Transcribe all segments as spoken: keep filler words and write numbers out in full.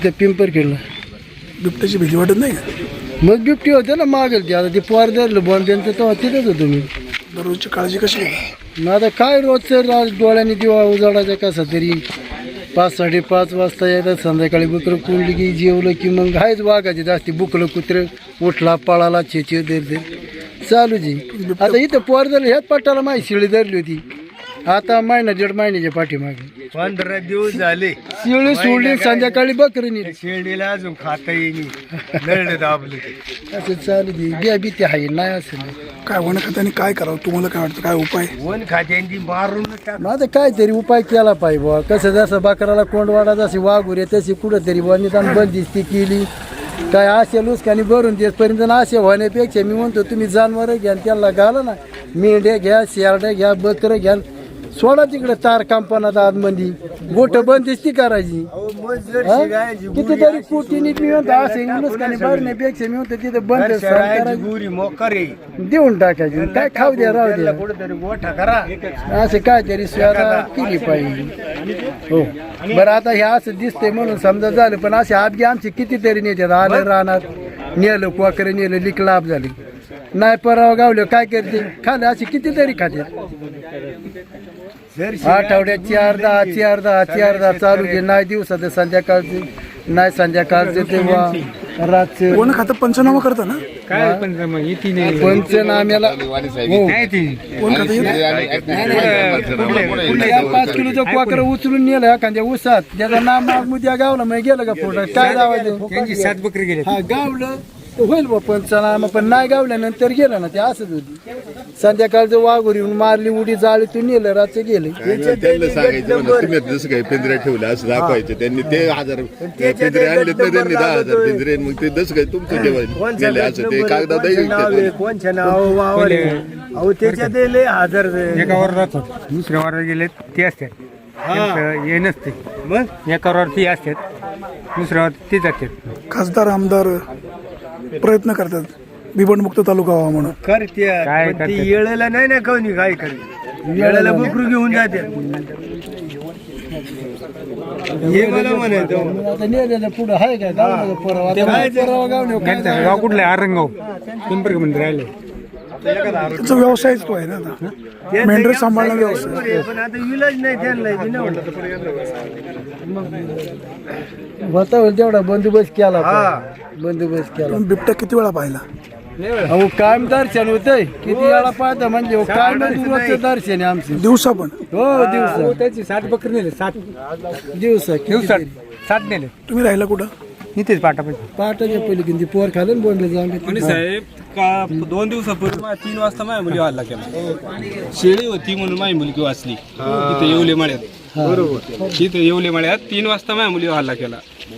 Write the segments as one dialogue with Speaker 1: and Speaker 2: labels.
Speaker 1: इथं पिंपरखेडला.
Speaker 2: बिबट्याची भीती वाटत नाही का?
Speaker 1: मग बिबटी होते ना मागेल ते. आता ते पोर धरलं बॉम्ब त्यांचं तेव्हा तिथंच होतो मी.
Speaker 2: दररोजची काळजी कशी घेता?
Speaker 1: मग आता काय रोजचं राज डोळ्याने दिवा उजाडायचा कसा तरी. पाच साडेपाच वाजता येतात, संध्याकाळी बकरं कुंडली की जेवलं की मग आहेच वाघाची जास्ती. बुकलं कुत्रं उठला पळाला छेचे दर दर चालूच आहे. आता इथं पोर धरलं ह्याच पट्टाला माझी शिळी धरली होती. आता महिना दीड महिन्याच्या पाठीमागे
Speaker 3: पंधरा दिवस झाले
Speaker 1: शिळी सोडली, संध्याकाळी बकरी नेली.
Speaker 3: शेळीला अजून खाता येईल नरड दाबले.
Speaker 1: असं चालू दे. बिया भीती आहे नाही असं नाही.
Speaker 2: काय वन खात्याने काय करावं तुम्हाला काय वाटतं? काय उपाय?
Speaker 3: वन खात्यांची मारून टाक.
Speaker 1: मग आता काहीतरी उपाय केला पाहिजे बुवा. कसं जसं बकराला कोंडवाडा जशी वाघुरे तशी कुठंतरी बुवा निदान बंदिस्ती केली काय असे लुसकानी भरून देतपर्यंत असे होण्यापेक्षा मी म्हणतो तुम्ही जनावरं घ्या त्यांना घाला ना. मेंढ्या घ्या, शेरड्या घ्या, बकरं घ्या, सोडा तिकडे तार कंपनात आतमध्ये गोट बंदिस्ती करायची. कितीतरी कोटीनी मी म्हणतो असं लुसकानी भरण्यापेक्षा मी म्हणतो तिथे बंद
Speaker 3: गुरी मोकरे
Speaker 1: देऊन टाकायची. काय खाऊ द्या राहू द्या.
Speaker 3: कुठेतरी गोठा करा.
Speaker 1: असं काहीतरी सुविधा केली पाहिजे. हो बरं आता हे असं दिसतंय म्हणून समजा झालं, पण असे आपली आमची कितीतरी नेतात. आलं राहणार नेलं कोकरे नेलं लिक लाभ झाली नाही पराव गावलं काय करते खाल्लं अशी कितीतरी खात्यात. आठवड्यात चार दहा चार दहा चार दहा चालू घे. नाही दिवसाचं संध्याकाळचे नाही संध्याकाळचे तेव्हा रातचे.
Speaker 2: वन खातं पंचनामा करता ना?
Speaker 3: काय
Speaker 1: पंचनाम्याला हो
Speaker 2: वन खातं येतं?
Speaker 1: पाच किलोचं कोकर उचलून नेलं एखाद्या उसात त्याचा नाम मुद्या गावला मग गेलं का फोटो काय गावायचं.
Speaker 3: त्यांची सात बकरी गेले.
Speaker 1: हा गावलं तर होईल बा पंचनामा, पण नाही गावल्यानंतर गेलं ना ते असंच होती. संध्याकाळचं वाघोर येऊन मारली उडी जाळीतून नेलं रातचं गेलं.
Speaker 4: त्यांना सांगायचं म्हणा तुम्ही जसं काही पिंजऱ्या ठेवलं असं दाखवायचं. त्यांनी ते हजार पिंजरे आणले तर त्यांनी दहा हजार पिंजरे मग ते जसं काही तुमचं जेवण गेले असं ते कागदात
Speaker 3: कोणच्या नाव वावर अहो त्याच्यात लय हजार एका वरात दुसऱ्या वरात गेले ते असतात हे नसते. मग एका वरात ती असतात दुसऱ्या वरात ते जातात.
Speaker 2: खासदार आमदार प्रयत्न करतात बिबटमुक्त तालुका व्हावा म्हणून.
Speaker 3: करते येळेला नाही ना कोणी काय करते. येळेला बकरू घेऊन जाते. हे मला म्हणायचं
Speaker 1: आता नेलेलं पुढं आहे काय गावलं परवा
Speaker 3: गाव कुठलं आरंगाव पिंपरी मंदिर राहिले.
Speaker 2: त्याचा व्यवसायच तो आहे ना. आता मेंढरे सांभाळणं व्यवसाय.
Speaker 3: पण आता इलाज नाही त्यांना.
Speaker 1: होता होईल तेवढा बंदोबस्त केला बंदोबस्त केला.
Speaker 2: बिबट्या किती वेळा पाहिला?
Speaker 1: अहो कायम दर्शन होतंय. किती वेळा पाहता म्हणजे कायम रोजचं दर्शन आहे आमचं.
Speaker 2: दिवसा पण?
Speaker 1: हो दिवसा.
Speaker 3: त्याची सात बकरी नेले. सात
Speaker 1: दिवसा
Speaker 3: दिवसात सात नेले.
Speaker 2: तुम्ही राहिला कुठं?
Speaker 3: इथेच पाठापाठी
Speaker 1: पाटाच्या पहिले किती पोर खाल्लं बॉम्बे जाऊन.
Speaker 5: आणि साहेब का दोन दिवसापूर्वी तीन वाजता माझ्या मुली हल्ला केला. शेळी होती म्हणून माझी मुलगी वाचली तिथे येवले माळ्यात. बरोबर तिथे येवले माळ्यात तीन वाजता माझ्या मुलीवर हल्ला केला.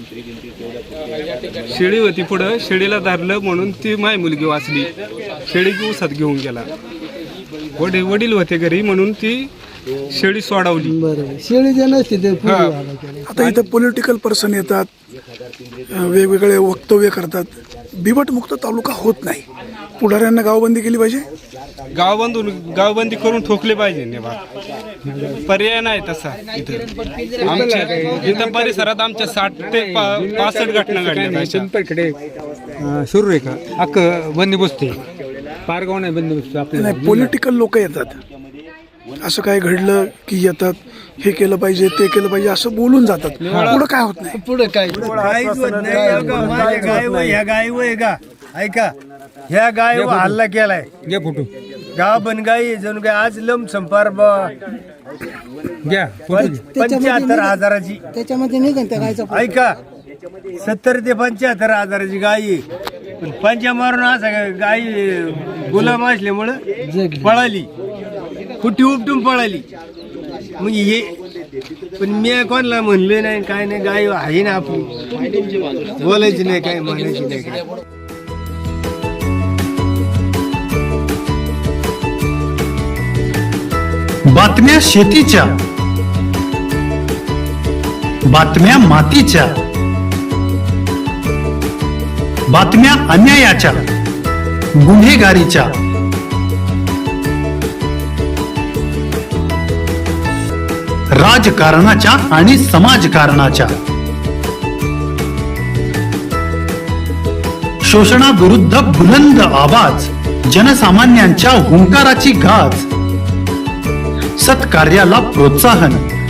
Speaker 5: शेळी होती पुढं शेळीला धरलं म्हणून ती माझी मुलगी वाचली. शेळी उसात घेऊन गेला. वडील वडील होते घरी म्हणून ती शेळी सोडवली.
Speaker 1: बरोबर शेळी जे नसते ते
Speaker 2: आता इथं पॉलिटिकल पर्सन येतात वेगवेगळे वक्तव्य करतात. बिबटमुक्त तालुका होत नाही. पुढाऱ्यांना गावबंदी केली पाहिजे.
Speaker 5: गावबंदून गावबंदी करून ठोकले पाहिजे. नेवा पर्याय नाही तसा. इथं आमच्या इथं परिसरात आमच्या साठ ते पासष्ट घटना घडल्या.
Speaker 3: पिंपरखेडे सुरू आहे का अक्क बंदी बसते. पारगाव नाही बंदी बसतो आपल्याला.
Speaker 2: नाही पॉलिटिकल लोक येतात. असं काय घडलं की येतात हे केलं पाहिजे ते केलं पाहिजे असं बोलून जातात. पुढं काय होत नाही.
Speaker 1: पुढे काय
Speaker 3: ह्या गाय वय का ऐका ह्या गाय हल्ला केलाय. घ्या फोटो. गाव बनगाई जणू काय आज लम संपार घ्या पंच्याहत्तर हजाराची
Speaker 1: त्याच्यामध्ये निघन त्या गायचा.
Speaker 3: ऐका सत्तर ते पंच्याहत्तर हजाराची गाय पण पंचा मारून असं गाय गुलाम असल्यामुळं पळाली. कुठे उपटून पळाली. मग हे पण मी कोणाला म्हणले नाही काय नाही. गाय आहे ना आपण बोलायची नाही काय म्हणायची नाही काय.
Speaker 6: बातम्या शेतीच्या, बातम्या मातीच्या, बातम्या अन्यायाच्या, गुन्हेगारीच्या, राजकारणाच्या आणि समाजकारणाच्या, शोषणाविरुद्ध बुलंद आवाज, जनसामान्यांच्या हुंकाराची गाज, सत्कार्याला प्रोत्साहन,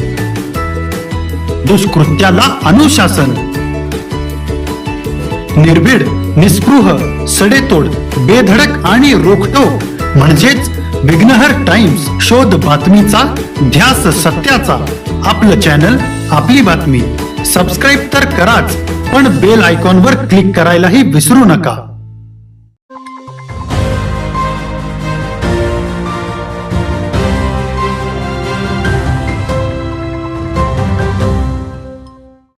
Speaker 6: दुष्कृत्याला अनुशासन, निर्भीड, निस्पृह, सडेतोड, बेधडक आणि रोखटोक म्हणजेच विघ्नहर टाइम्स. शोध बातमीचा, ध्यास सत्याचा. आपलं चॅनल, आपली बातमी. सबस्क्राईब तर कराच, पण बेल आयकॉनवर क्लिक करायलाही विसरू नका.